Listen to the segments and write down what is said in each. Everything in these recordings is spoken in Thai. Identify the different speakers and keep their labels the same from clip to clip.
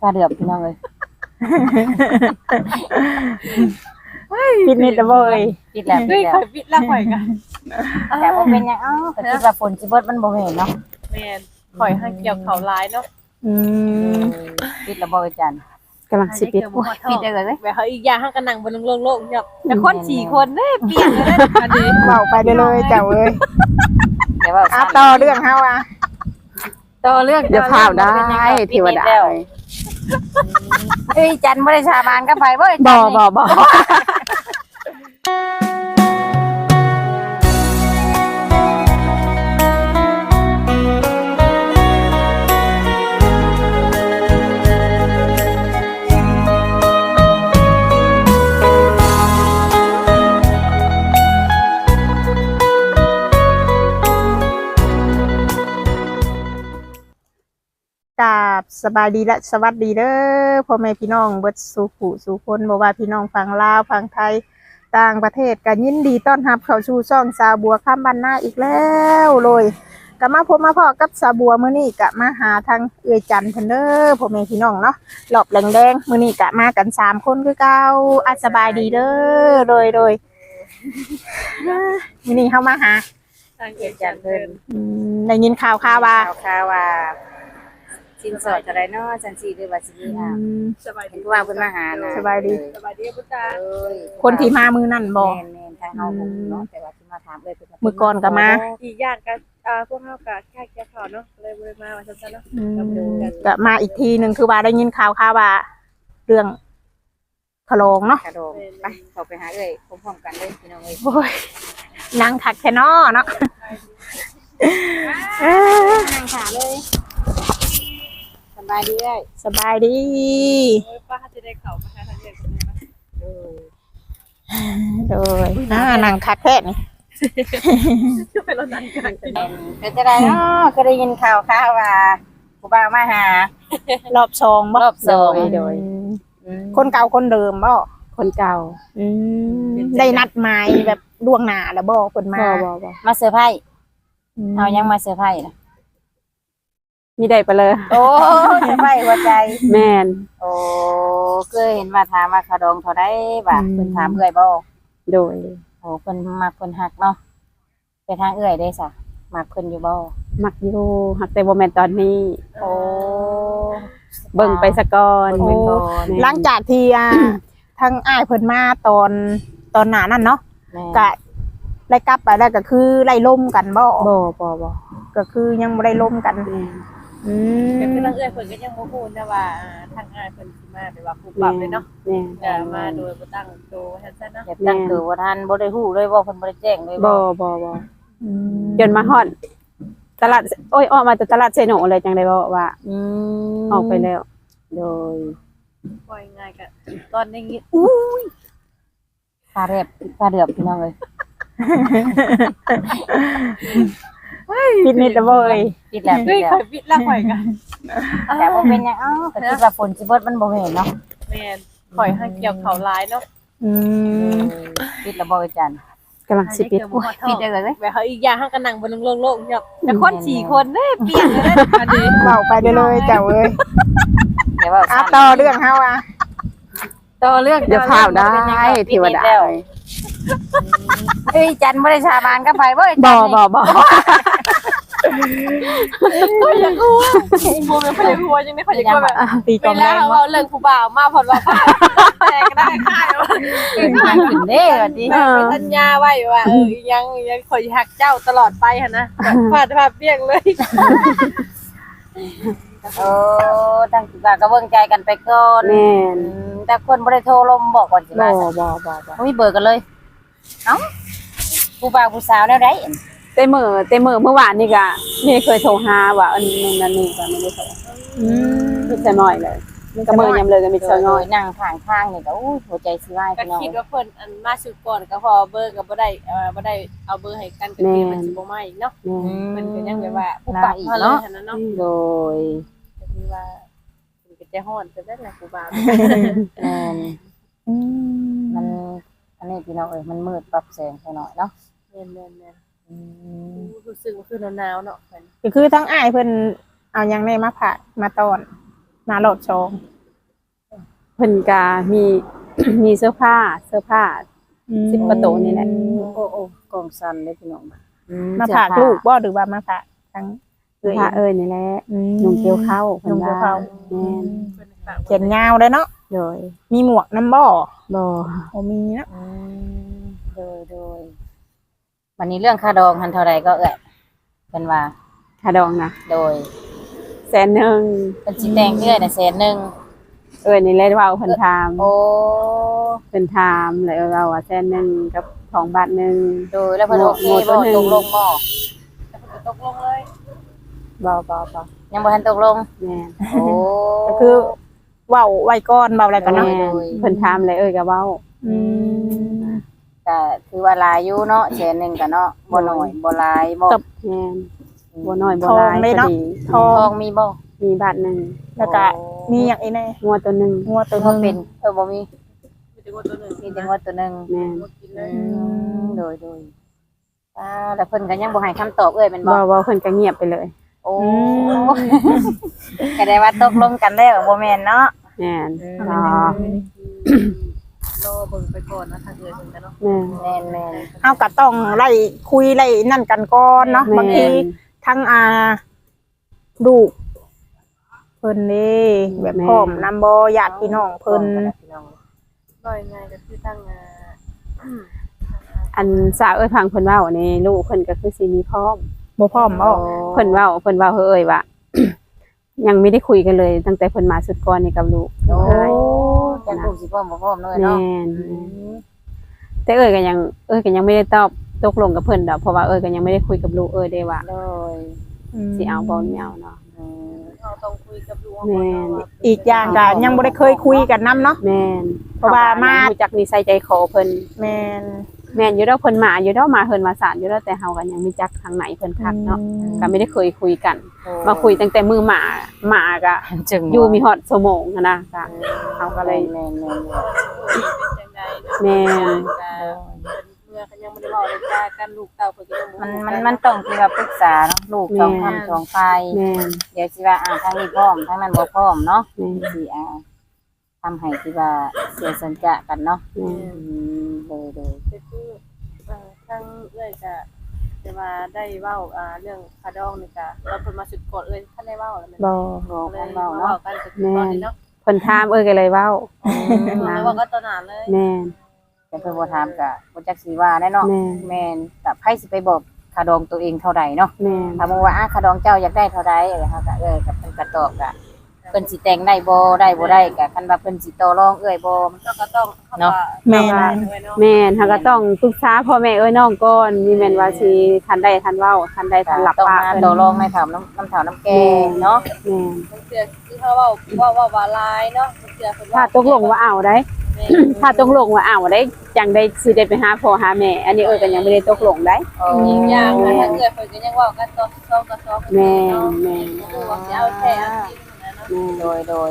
Speaker 1: ปลาเดือบพี่น้องเลย
Speaker 2: ปิดเน็ตบ่เอ้ย
Speaker 1: ปิดแล้วปิดแล้ว
Speaker 3: ปิดละข่อยกัน
Speaker 1: แต่บ่เป็นหยังก็คิดว่าฝนสิเบิดมันบ่แม่นเนาะ
Speaker 3: แม่นข่อยให้เกี่ยวเขาร้ายเนาะ
Speaker 1: ปิดแล้วบ่อาจารย์
Speaker 2: กำลังสิปิด
Speaker 1: ปิดได้เลย
Speaker 3: แบบเขาอีกอย่างห้างกันนั่งบนโลกๆครับแต่คน4คนเด้เปลี่ยนเลยอันนี้
Speaker 2: เว้าไปได้เลยเจ้าเอ้ย
Speaker 1: เดี๋ยวว่า
Speaker 2: ต่อเรื่องเฮาอ่ะ
Speaker 1: ต่อเรื่อง
Speaker 2: เดี๋ยวข่าวได้เทวดา
Speaker 1: เฮ้ยจันบ่ได้ชาบานก็ไปบ่
Speaker 2: บ่กราบสบายดีและสวัสดีเด้อพ่อแม่พี่น้องเบิดสู่ผู้สู่คนบ่ว่าพี่น้องฝั่งลาวฝั่งไทยต่างประเทศก็ยินดีต้อนรับเข้าสู่ช่องสาวบัวค่ำบ้านนาอีกแล้วเลยก็มาพบมาพอกับสาวบัวมื้อนี้ก็มาหาทางเอื้อยจันเพิ่นเด้อพ่อแม่พี่น้องเนาะรอบแดงๆมื้อนี้ก็มากัน3คนคือเก่าสบายดีเด้อโดยมื้อนี้เฮามาหา
Speaker 3: ทางเอื้อยจันเพิ่น
Speaker 2: ได้ยินข่าว
Speaker 1: ว่าสินสอดจะได้เนาะจังซี่หรือว่าสิมี
Speaker 3: สบายดี
Speaker 1: ว่าเพิ่นมาหานะ
Speaker 2: สบายดี
Speaker 3: พุทธา
Speaker 2: คนที่มามื้อนั้นบ่
Speaker 1: แม่นๆทางเฮาบ่เนาะแต่ว่าสิมาถามเพิ่น
Speaker 2: มื้อก่อนก็มา
Speaker 3: อีกอย่างก็พวกเฮาก็แค่เกี่ยวข้าวเนาะเลยบ่ได้มาว่าซั่นๆเนาะ
Speaker 2: ก็มาอีกทีนึงคือว่าได้ยินข่าวว่าเรื่องขะโลงเนาะ
Speaker 1: ไปเข้าไปหาเอ้ยพร้อมๆกันเลยพี่น้องเอ้ย
Speaker 2: โอ้ยนางคักแท้เนาะ
Speaker 1: นั่งขาเลยสบายดีเอ้ย
Speaker 2: สบายดี
Speaker 3: ป้าจะได้เข้ามาหาทางเอื้อย
Speaker 2: โดยนางคักแท้นี่
Speaker 3: ไปรถนั่งกัน
Speaker 1: เป็นจะได้เนาะก็ได้ยินข่าวว่าผู้บ่าวมาหาร
Speaker 2: อบ2บ่
Speaker 1: รอบ2
Speaker 2: โดยคนเก่าคนเดิมบ่
Speaker 1: คนเก่า
Speaker 2: ได้นัดหมายแบบล่วงหน้าแล้วบ่เพิ่นมา
Speaker 1: มาเซอร์ไพรส์เอายังมาเซอร์ไพรส์นะ
Speaker 2: มีได้ไปเลย
Speaker 1: โอ้เซอร์ไพรส์หัวใจ
Speaker 2: แม่น
Speaker 1: โอ้เคยเห็นมาถามว่าขดองเท่าใดบ่เพิ่นถามเอื้อยบ่
Speaker 2: โดย
Speaker 1: โอ้เพิ่นมักเพิ่นฮักเนาะไปทางเอื้อยได้ซะมักเพิ่นอยู่บ่
Speaker 2: มักอยู่ฮักแต่บ่แม่นตอนนี้
Speaker 1: โอ้
Speaker 2: เบิ่งไปซะก่อนหลังจากที่ทั้งอ้ายเพิ่นมาตอนหน้านั้นเนาะก็ได้กลับไปแล้วก็คือไล่ล่มกันบ่ก็คือยังบ่ได้ล่มกัน
Speaker 3: ก็คือทางเอื้อยเพิ่นก็ยังบ่ฮู้นะว่าทางอ้ายเพิ่นสิมาแบบว่าผู้ปรับเลยเนาะมาโดยบ่ตั้งตัวซั่นๆเนาะ
Speaker 1: ตั้งตัวบ่ทันบ่ได้ฮู้เลยว่าเพิ่นบ่ได้แจ้งเลย
Speaker 2: บ่จนมาฮอดตลาดออกมาจากตลาดเซโนเลยจังได้บ่ว่าออกไปแล้วโดย
Speaker 3: ปล่อยง่ายก็ตอนนี้
Speaker 1: ปลาเดือบพี่น้องเอ้ย
Speaker 2: ปิดเน็ตบ่เอ้ย
Speaker 1: ปิดแล้ว
Speaker 3: ปิดละข่อยกัน
Speaker 1: แต่บ่เป็นหยังก็คิดว่าฝนสิเบิดมันบ่แม่นเนาะ
Speaker 3: แม่นข่อยให้เกี่ยวเขาร้ายเนาะ
Speaker 1: ปิดแล้วบ่อาจารย์
Speaker 2: กำลังสิปิด
Speaker 1: ปิดได้เลย
Speaker 3: แบบเขาอีกอย่างห้างกันนั่งบนโลกๆครับแต่คน4คนเด้เปลี่ยนเลยอันนี้
Speaker 2: เว้าไปได้เลยเจ้าเอ้ย
Speaker 1: เดี๋ยวว่า
Speaker 2: ต่อเรื่องเฮาอ่ะ
Speaker 1: ต่อเรื่อง
Speaker 2: เดี๋ยวข่าวได้เทวดา
Speaker 1: เฮ้ยจันบ่ได้ชาบานก็ไปบ่
Speaker 3: ก็ยังกลัวบ่แม่นบ่ได้กลัวจังได๋ข่อยจะกลัวแบบ
Speaker 2: ตีกองแดง
Speaker 3: เว้าเรื่องผู้บ่าวมาพอดว่าแต่ก็ได้ค่ายว่า
Speaker 1: เป็นทางขึ้นเด้ว่าติ
Speaker 3: เป็นสัญญาไว้ว่ายังข่อยฮักเจ้าตลอดไปหั่นนะฟาดเปี้ยงเลย
Speaker 1: โอ้ตั้งก็เบิ่งใจกันไปก่อน
Speaker 2: แม่น
Speaker 1: แต่คนบ่ได้โทรลมบอกก่อนสิว่าบ่มีเบอร์กันเลยเอ้าผู้บ่าวผู้สาวแนวใด
Speaker 2: แต่มื้อเมื่อวานนี่ก็นี่เคยโทรหาว่าอันนั้นนี่ก็ไม่ได้โทรมีแต่น้อยเลยก็มื้อยามเลยก็มีแต่น้อย
Speaker 1: นั่งข้างทางนี่ก็หัวใจสิวาย
Speaker 3: พี่น้องก็คิดว่าเพิ่นอันมาสุดก่อนก็พอเบอร์ก็บ่ได้เอาเบอร์ให้กันก็คือมันสิบ่มาอีกเนาะมันก็ยังแบบว่าผู้ปรับเนาะเนาะ
Speaker 1: โดย
Speaker 3: ก็คือว่ามันก็จะฮ้อนซะแล้วล่ะผู้บ่าว
Speaker 1: มันอันนี้พี่น้องเอ้ยมันมืดปรับแสงไปหน่อยเนาะ
Speaker 3: แม่นรู้สึกว่าคือหนาวๆเนาะ
Speaker 2: ก็คือทั้งอ้ายเพิ่นเอาหยังได้มาผ่ามาตอนมารอบ2
Speaker 4: เพิ่นก็มี มีเสื้อผ้า10กว่าตัวนี่แหละ
Speaker 1: โอ้กองสันเลยพี่น้อง
Speaker 2: มาฝากลูกบ่หรือว่ามาฝากทั้ง
Speaker 4: ผ้านี่แหละนุ่งเกี่ยวเข้าเพิ่นว่าแม่น
Speaker 2: เขียนยาวเลยเนาะ
Speaker 4: โดย
Speaker 2: มีหมวกน้ำบ่
Speaker 4: บ่
Speaker 2: โอ้มีเนาะ
Speaker 1: โดยวันนี้เรื่องค่าดองหันเท่าไรก็เป็นว่า
Speaker 4: ค่าดองนะ
Speaker 1: โดย
Speaker 4: 100,000
Speaker 1: เป็นสีแดงเรื่อยนะ100,000
Speaker 4: นี่แหละเว้าเพิ่นถาม
Speaker 1: โอ้
Speaker 4: เพิ่นถามแล้วเราว่า100,000กับ2 บาทนึง
Speaker 1: โดยแล้วเพิ่นโอเคบ่ตกลงบ่
Speaker 3: ตกลงเลย
Speaker 4: บ่
Speaker 1: ยังบ่ทันตกลง
Speaker 4: แม่น
Speaker 1: โอ้
Speaker 2: ก็คือเว้าไว้ก่อนเว้าอะไรกันเนาะ
Speaker 4: แม่นเพิ่นถามแล้วก็เว้า
Speaker 2: อืม
Speaker 1: ก็คือว่าหลายอยู่เนาะ100,000ก็เนาะบ่น้อยบ่หลายบ่
Speaker 4: แม่นบ่น้อยบ่หลายพอดี
Speaker 2: ทอ
Speaker 1: ทอง งมีบ่
Speaker 4: มีบาทนึง
Speaker 2: แล้วก็มีอย่างอีกแน่
Speaker 4: งัวตัวนึง
Speaker 2: งัวตัวห
Speaker 1: บ่
Speaker 2: นึ
Speaker 1: เป็น
Speaker 2: ง
Speaker 1: บ่มี
Speaker 3: มีแต่ว่าตัวหนึ่ง
Speaker 1: มีแต่ว่าตัวหนึง
Speaker 4: แม่น
Speaker 3: กินเลย
Speaker 1: โดยแล้วเพิ่นก็ยังบ่ให้คำตอบแม่นบ่
Speaker 4: บ่เพิ่นก็เงียบไปเลย
Speaker 1: โอ้ก็ได้ว่าตกลงกันแล้วบ่แม่นเนาะ
Speaker 4: แม่น
Speaker 1: อ๋อ
Speaker 3: รอเบิ่งไปก่อนนะทางเอื้อยเพิ่นกันเนาะ
Speaker 4: แม่น
Speaker 1: แม่น
Speaker 2: เฮาก็ต้องไล่คุยไล่นั่นกันก่อนเนาะบางทีทั้งลูกเพิ่นนี่แบบพร้อมนำบ่ญาติพี่น้องเพิ่น
Speaker 3: น้อยง่ายก็คือตั้ง
Speaker 4: อันสาวพังเพิ่นเว้านี่ลูกเพิ่นก็คือสิมีพร้อม
Speaker 2: บ่พร้อมบ่
Speaker 4: เพิ่นเว้าว่า ยังไม่ได้คุยกันเลย ตั้งแต่เพิ่นมาสุดก่อนนี่กับลูก
Speaker 1: โอ้จักลูกสิพร้อมบ่พร้อมเนาะ
Speaker 4: แม่
Speaker 1: เนาะ
Speaker 4: นแต่ก็ยังไม่ได้ตอบตกลงกับเพิ่นดอกเพราะว่าก็ยังไม่ได้คุยกับลูกได้ว่า
Speaker 1: โดย
Speaker 4: สิเอาบ่ไม่เอาเนาะ
Speaker 3: เราต้องคุยกับลูก
Speaker 4: แม่น
Speaker 2: อีกอย่างก็ยังบ่ได้เคยคุยกันนํเนาะ
Speaker 4: แม่น
Speaker 2: เพราะว่ามา
Speaker 4: รู้จักนิสัยใจคอเพิ่น
Speaker 2: แม่น
Speaker 4: แม่นอยู่แล้วเพิ่นมาอยู่แล้วมาเพิ่นมาศาลอยู่แล้วแต่เฮาก็ยังไม่จักทางไหนเพิ่นคักเนาะก็ไม่ได้เคยคุยกัน มาคุยตั้งแต่มือหมาก็
Speaker 1: จึง
Speaker 4: อยู่มีฮอดชั่วโมงหั้นนะก็เฮาก็เลย
Speaker 1: แม่น
Speaker 3: เป็นจังได๋
Speaker 4: แม่น
Speaker 3: เมื่อเขายังบ่ได้เว้าเลยจ้ากันลูกเต้าเพิ่นก็ยังบ่
Speaker 1: มันต้องที่ว่าปรึกษาเนาะลูกสองคำสองฝ่าย
Speaker 4: แม่น
Speaker 1: เดี๋ยวสิว่าทางนี้พร้อมทางนั้นบ่พร้อมเนาะ
Speaker 4: แม่น
Speaker 1: สิทำให้ที่ว่าเสียสัญญากันเนาะ
Speaker 4: แม่น
Speaker 1: โดย
Speaker 3: ก็คือทางเอื้อยก็จะมาได้เว้าเรื่องคาดองนี่ก็เราเพิ่นมาสุดก่อนเอื้อยท่านได้เว้าแล้วแม่น
Speaker 4: บ่
Speaker 1: บอก
Speaker 3: เล
Speaker 1: กั
Speaker 3: ย
Speaker 1: น
Speaker 3: เว้า
Speaker 1: เว้าเนาะ
Speaker 3: กันก็คือตอนนี้เนาะ
Speaker 4: เพิ่นถามก็เลยเว้า
Speaker 3: แล้วว่าก็ตอนนั้นเลย
Speaker 4: แม่น
Speaker 1: แต่เพิ่นบ่ถามก็บ่จักสิว่าแน่เนาะ
Speaker 4: แม่น
Speaker 1: แม่นแต่ไผสิไปบอกค่าดองตัวเองเท่าใดเนาะ
Speaker 4: แม่น
Speaker 1: ถ้าบอกว่าค่าดองเจ้าอยากได้เท่าใดเฮาก็กับเพิ่นก็ตอบก็เพิ่นสิแต่งได้บ่ได้บ่ได้ก็คันว่าเพิ่นสิต่อรองมัน
Speaker 3: เราก็ต้อง
Speaker 1: เนาะ
Speaker 2: แม่น
Speaker 4: แม่นเฮาก็ต้องปรึกษาพ่อแม่น้องก่อนมีแม่นว่าสิทันได้ทันเว้าทันได้ทันหลับ
Speaker 1: ต้อง
Speaker 4: ปาก
Speaker 1: มา
Speaker 4: เพิ่น
Speaker 1: ต่อรองในถามน้ำถามน้ำแกงเนาะ
Speaker 4: แม่น
Speaker 3: มันเสือคือเขาว่าลายเนาะมันเสือเพิ่น
Speaker 4: ถ้าตกลงว่าเอาได้ ถ้าตกลงว่าเอาได้จังได้สิได้ไปหาพ่อหาแม่อันนี้ก็ยังไม่ได้ตกลงได้
Speaker 3: อีกอย่างถ้าเกิดเพิ่นก็ยังเว้ากันต่อซ้อ
Speaker 4: แม่นแม่น
Speaker 3: คือว่าสิเอาแท้เอาจริงนะเนาะ
Speaker 4: แม่น
Speaker 1: โดย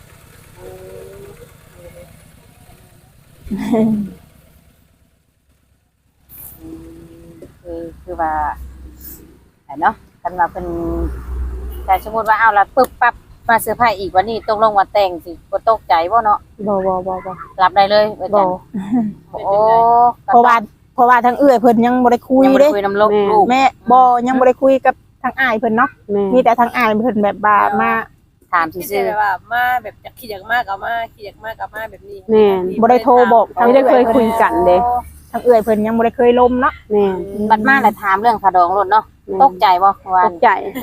Speaker 1: คือว่าเนาะกันว่าเป็นแต่สมมติว่าเอาละปึ๊บปั๊บมาเสื้อผ้าอีกวันนี้ตกลงว่าแต่งสิบ่ตกใจบ่เนาะ
Speaker 4: บ่
Speaker 1: รับได้เลยอา
Speaker 4: บ่
Speaker 1: จารย์โอ้
Speaker 2: เพราะว่าทั้งเอื้อยเพิ่นยังบ่ได้คุย
Speaker 1: ยังบ่
Speaker 2: เด้
Speaker 1: ได้คุยน้ำลูก
Speaker 2: แม่บ่ยังบ่ได้คุยกับทางอ้ายเพิ่นเนาะ
Speaker 4: แม่
Speaker 2: มีแต่ทางอ้ายเพิ่นแบบว่ามา
Speaker 1: ถาม
Speaker 3: ที่
Speaker 1: ซื่อ
Speaker 3: แบบว่ามาแบบจะขี้อยากมากเอามาขี้อยากมากเอามาแบบนี้
Speaker 4: แม่น
Speaker 2: บ่ได้โทรบอกทาง
Speaker 4: ไม่ได้เคยคุยกันเด้
Speaker 2: ทางเอื้อยเพิ่นยังบ่ได้เคยลมเนาะ
Speaker 4: แม่น
Speaker 1: บัดมาแล้วถามเรื่องขดองรถเนาะตกใจบ่ว่า
Speaker 4: ตกใจ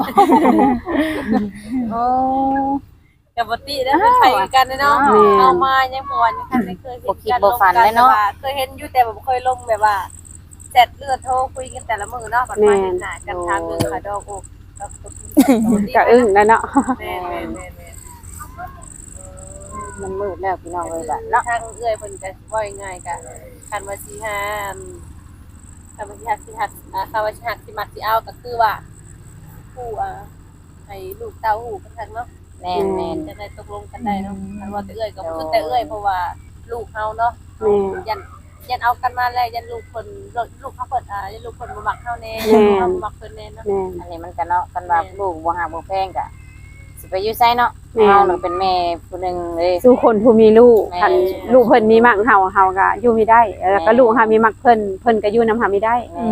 Speaker 1: โอ้
Speaker 3: กับปกติแล้วเป็นไผกันเนาะเอามายังบ่วันยังไม่เคยเคยเห็นอยู่แต่บ่เคยลงแบบว่าแชทเลือดโทรคุยกันแต่ละมื้อเนาะบัดมาเห็นหน้ากันทางเรื่องขาดอกอกกับ
Speaker 4: ก็อึ้งแล้วเนาะ
Speaker 3: แม่
Speaker 1: มันมืดแล้วพี่น้องเลยบัด
Speaker 3: เนาะ
Speaker 1: เนาะ
Speaker 3: ทางเอื้อยเพิ่นก็ว่าง่ายๆก็คันว่าสิหาคันว่าสิหักคันว่าสิหักสิมักสิเอาก็คือว่าผู้ให้ลูกเต้าหู้กันทักเนาะ
Speaker 1: แม่น
Speaker 3: จะได้ตกลงกันได้เนาะคันว่าแต่เอื้อยก็คือแต่เอื้อยเพราะว่าลูกเฮาเนาะ
Speaker 4: แม่
Speaker 3: ยันเอากันมาแล้วยันลูกคนลูกเขาเปิดยันลูกคนบ่มักเฮาแน่เขาบ่มักเพิ่นแน่เนาะ
Speaker 4: แม่น
Speaker 1: อันนี้มันก็เนาะกันว่าลูกบ่ฮักบ่แพงก็สิสิไปอยู่ไสเนาะเฮาน่ะเป็นแม่ผู้หนึงเด้
Speaker 4: สู่คนผู้มีลูก
Speaker 1: แม่
Speaker 4: คันลูกเพิ่นมีมักเฮาก็อยู่ไม่ได้แล้วก็ลูกเฮามีมักเพิ่นก็อยู่นำเฮาไม่ได้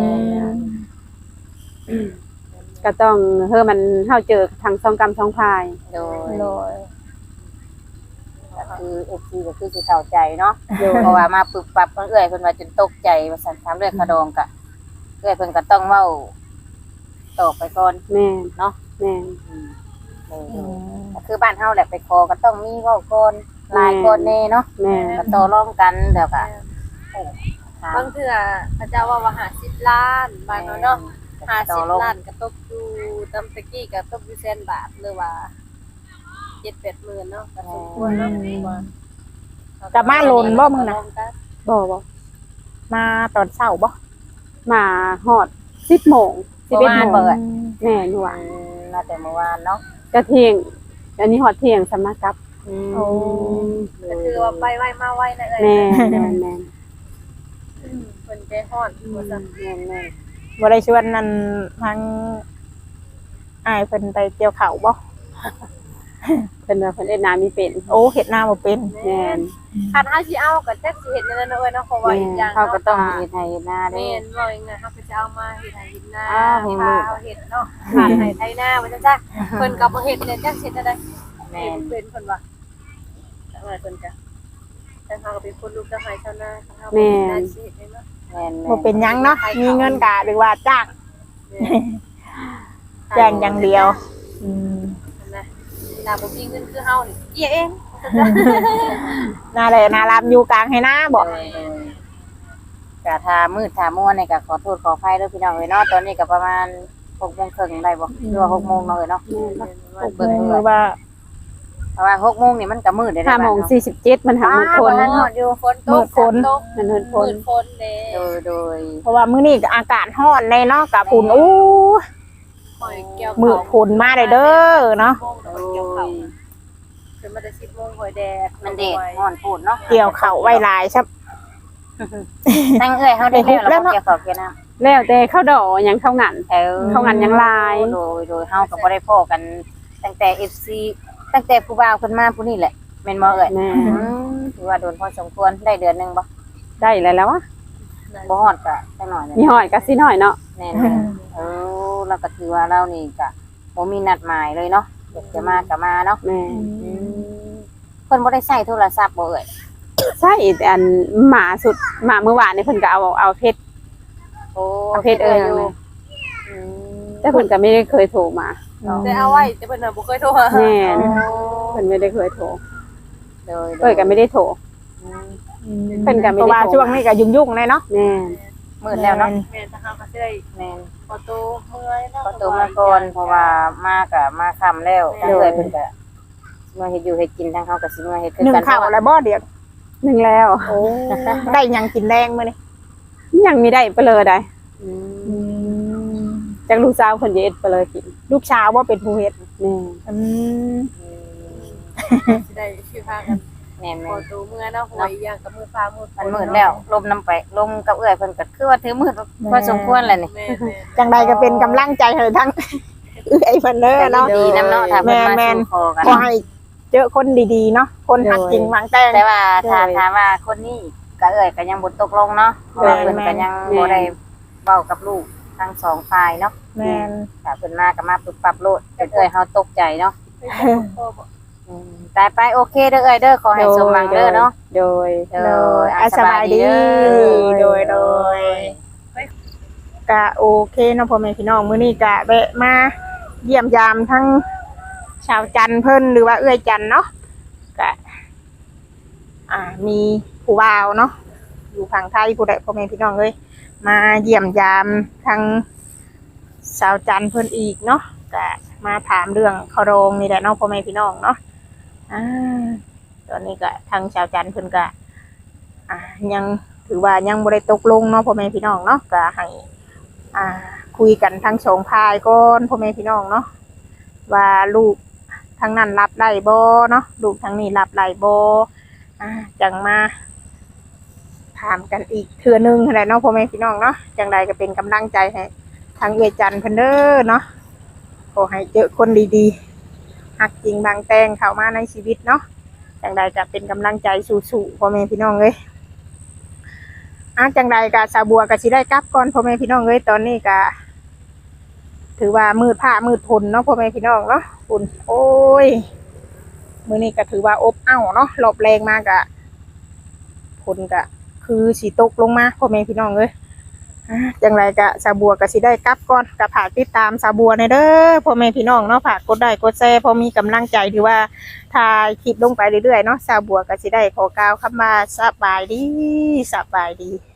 Speaker 4: ก็ต้องเฮามันเฮาเจอทั้งสองกรรมสองพาย
Speaker 1: โดย
Speaker 2: โดย
Speaker 1: ก็คือ FC ก็คือสิเข้าใจเนาะเพราะว่ามาปึบปับเพิ่นเอื้อยเพิ่นว่าจนตกใจว่าซั่นถามเรื่องขะดองก็เอื้อยเพิ่นก็ต้องเว้าตอบไปก่อน
Speaker 4: แม่น
Speaker 1: เนาะ
Speaker 4: แม่น
Speaker 1: ก็คือบ้านเฮาแหละไปขอก็ต้องมีเว้าก่อนหลายคนแน่เนาะ
Speaker 4: แม่น
Speaker 1: ก็ต่อรองกันเดี๋ยวก็
Speaker 3: บางเทื่อพระเจ้าว่า50ล้านบางเนาะ50ล้านก็ตกอยู่ตำตะกี้ก็ตกอยู่100,000 บาทหรือว่า 7-8 หมื่นเนาะก็สมควรเนาะ
Speaker 2: กลับมาโลนบ่มึงน่ะ
Speaker 4: บ่
Speaker 2: มาตอนเช้าบ่
Speaker 4: มาฮอด10:00น11:00 น
Speaker 1: เปิด
Speaker 4: แม่นว่า
Speaker 1: มาแต่เมื่อวานเนาะ
Speaker 4: ก็เที่ยงอันนี้ฮอดเที่ยงสำนักกลับ
Speaker 2: โอ้
Speaker 3: ก็คือว่าไปไวมาไวนะเอ้ย
Speaker 4: แม่นแม่นแม่น
Speaker 3: เพิ่นใจฮ้อนว่าซั่น
Speaker 1: แม่น
Speaker 2: บ่ได้ชวนนั่นทางอ้ายเพิ่นไปเกี่ยวข้าวบ่
Speaker 4: เพิ่นว่าเพิ่นเอ็ดนามีเป็น
Speaker 2: โอ้เฮ็ดนาบ่เป็น
Speaker 4: แม่น
Speaker 3: คันเฮาสิเอาก็จักสิเฮ็ดแนวนั้นเนาะเอ้ยเนาะเพราะว่าอีกอย่าง
Speaker 1: ๆเขาก็
Speaker 3: เนาะ
Speaker 1: ต้องเฮ็ดให้เฮ็ดหน้าเด้
Speaker 3: แม่นว่าอย่างนั้นเฮาก็จะเอามาเฮ็ดให้เฮ็ดนา
Speaker 1: อ้าวเฮ็ดมือ
Speaker 3: พาเฮ็ดเนาะหาให้ไถนาว่าจังซั่นเพิ่นก็บ่เฮ็ดเนี่ยจักสิเฮ็ดได้
Speaker 1: แม่
Speaker 3: เพิ่นว่าจังได๋เพิ่นก็แต่เฮาก็เป็นคนลูกเจ้าไห้ชาวนาเฮาได้สิเฮ็ดได้เนาะ
Speaker 1: แม่น
Speaker 2: บ่เป็นหยังเนาะมีเงินกะหรือว่าจ้างจ้างอย่างเดียวอืม
Speaker 3: นะถ้าบ่มีเงินคือเฮานี่เอียเอง
Speaker 2: น่าแหละน่ารามอยู่กลางให้นาบ่
Speaker 1: ก็ถ้ามืดถ้ามัวนี่ก็ขอโทษขออภัยเด้อพี่น้องเอ้ยเนาะตอนนี้ก็ประมาณ 6:30ได้บ่หรือว่า 6:00 นเนาะเอ้ยเนาะ
Speaker 2: เบิ่งหรือว่า
Speaker 1: เพราะว่า 6:00 นี่มันก็มืดได้
Speaker 4: 5:47มันหามื้อคน
Speaker 1: มันฮอดอยู่
Speaker 3: ฝนตกตก
Speaker 4: มันเฮินพ
Speaker 3: ฝ
Speaker 4: ล
Speaker 3: นฝนเด้
Speaker 1: โดย
Speaker 2: เพราะว่ามื้อนี้ก็อากาศร้อนเลยเนาะกะฝุ่นอู้
Speaker 3: หอยเกี่ยว
Speaker 2: มืดฝนมาได้เด้อเนาะ
Speaker 3: เกี่ยวเขาคือมันจะ10 โมงหอยแดด
Speaker 1: มันเด็ดฮ้อนพูดเนาะ
Speaker 2: เกี่ยวข้าวไว้หลายซับ
Speaker 1: ตั้งเอ้ยเฮาได้แล้วเนาะเกี่ยวกับเกี่ยวน้ำ
Speaker 4: แล้วแต่เข้าดอกหยังเข้างาน เข้างานยังลาย
Speaker 1: โดยเฮาก็บ่ได้พ้อกันตั้งแต่ FC ตั้งแต่ผู้บ่าวเพิ่นมาผู้นี้แหละแม่นบ่เอ้ย
Speaker 4: แม่
Speaker 1: ถือว่าโดนพอสมควรได้เดือนหนึงบ่
Speaker 4: ได้แล้ววะ
Speaker 1: บ่ฮอดก็จักหน่อย
Speaker 4: มีหอยก็สิน้อยเนาะ
Speaker 1: แม่นเราก็ถือว่าเรานี่ก็บ่มีนัดหมายเลยเนาะอยากจะมาก็มาเนาะ
Speaker 4: แม่
Speaker 1: เพิ่นบ่ได้ใช้โทรศัพท์บ่เอ้ย
Speaker 4: ใช่แต่อันหมาสุดหมาเมื่อวานนี่เพิ่นก็เอาเพชร
Speaker 1: โอ้
Speaker 4: เอาเพชร
Speaker 1: อ
Speaker 4: อยู่แต่เพิ่นก็ไม่ได้เคยโทรมา
Speaker 3: แต่เอาไว้แต่เพิ่นน่ะบ่เคยโทรมา
Speaker 4: แม่นเพิ่นไม่ได้เคยโทร
Speaker 1: โดย
Speaker 4: เอ้ยก็ไม่ได้โทร เพิ่นก็ไม่ได้
Speaker 2: เพราะว่าช่วงนี้ก็ยุ่งๆเลยเนาะ
Speaker 4: แม่น
Speaker 1: มืดแล้วเนาะ
Speaker 3: แม่นถ้าเฮาก็สิได้
Speaker 1: แม่น
Speaker 3: ขอตัวเมื่อยเนาะ
Speaker 1: ขอตัวมาก่อนเพราะว่ามาก็มาค่ำแล้วก็เลยเพิ่นก็มาเฮ็ดอยู่เฮ็ดกินทางเฮาก็สิมาเฮ็ดคือ
Speaker 2: นึ่ง
Speaker 1: กัน
Speaker 2: ข้าวอะไรบ่เดี๋ยว
Speaker 4: หนึ่งแล้ว
Speaker 2: โอ้ได้หยังกินแรงมื้อนี้
Speaker 4: ยังมีได้ไปเลยได้จากลูกสาวเพิ่นจะเอ็ดไปเลยกิน
Speaker 2: ลูกชาวว่าเป็นผู้เฮ็ด
Speaker 4: แม่
Speaker 2: อืม
Speaker 3: สิได้สิพากัน
Speaker 1: แม่น
Speaker 3: ขอตัวเมื่อยเนาะหอยอย่างกับมือฟ้ามือ
Speaker 1: มันมืดแล้วลมน้ำไปลมกับเอื้อยเพิ่นก็คือว่าถือมืดพอสมควรแหละนี่
Speaker 3: แม่
Speaker 2: จังใดก็เป็นกำลังใจให้ทั้ง ไอ้เพิ่นเด้อเนาะ
Speaker 1: ดีนำเนาะถ้าเพิ่นมาสู่คอกัน
Speaker 2: ขอให้เจอคนดีๆเนาะคนหักจริงหวังแต่ง
Speaker 1: แต่ว่าถ้าถามว่าคนนี้ก็เอื้อยก็ยังบ่ตกลงเนาะเพราะว่าเพิ่นก็ยังบ่ได้เว้ากับลูกทั้งสองฝ่ายเนาะ
Speaker 2: แม่น
Speaker 1: ถ้าเพิ่นมาก็มาปรับปรับโลดเอื้อยเฮาตกใจเนาะตายไปโอเคเด้อเอ้ยเด้อขอให้สมหวังเด้อเนาะ
Speaker 4: โดย
Speaker 2: โดยสบายดีโดยก็โอเคเนาะพ่อแม่พี่น้องมื้อนี้ก็แวะมาเยี่ยมยามทั้งชาวจันทร์เพิ่นหรือว่าเอื้อยจันทร์เนาะก็มีผู้บ่าวเนาะอยู่ฝั่งไทยผู้ใดพ่อแม่พี่น้องเอ้ยมาเยี่ยมยามทั้งชาวจันทร์เพิ่นอีกเนาะก็มาถามเรื่องขรองนี่แหละเนาะพ่อแม่พี่น้องเนาะตอนนี้ก็ทางชาวจันทร์เพิ่นก็ยังถือว่ายังบ่ได้ตกลงเนาะพ่อแม่พี่น้องเนาะก็ให้คุยกันทั้งสองฝ่ายก่อนพ่อแม่พี่น้องเนาะว่าลูกทางนั้นรับได้บ่เนาะลูกทางนี้รับได้บ่จังมาถามกันอีกเทื่อนึงแหละเนาะพ่อแม่พี่น้องเนาะจังใดก็เป็นกำลังใจให้ทางเอื้อยจันทร์เพิ่นเด้อเนาะขอให้เจอคนดีๆหักจริงบางแตงเข้ามาในชีวิตเนาะจังใดก็เป็นกำลังใจสู้ๆพ่อแม่พี่น้องเอ้ยจังใดก็สาวบัวก็สิได้กลับก่อนพ่อแม่พี่น้องเอ้ยตอนนี้ก็ถือว่ามืดผ้ามืดฝนเนาะพ่อแม่พี่น้องเนาะฝนโอ้ยมื้อนี้ก็ถือว่าอบอ้าวเนาะรอบแรงมากอะฝนก็คือสิตกลงมาพ่อแม่พี่น้องเอ้ยจังไรก็สาวบัวก็สิได้กลับก่อนก็ฝากติดตามสาวบัวในเด้อพ่อแม่พี่น้องเนาะฝากกดไลค์กดแชร์พอมีกำลังใจที่ว่าถ่ายคลิปลงไปเรื่อยๆเนาะสาวบัวก็สิได้ขอกล่าวคำว่าสบายดี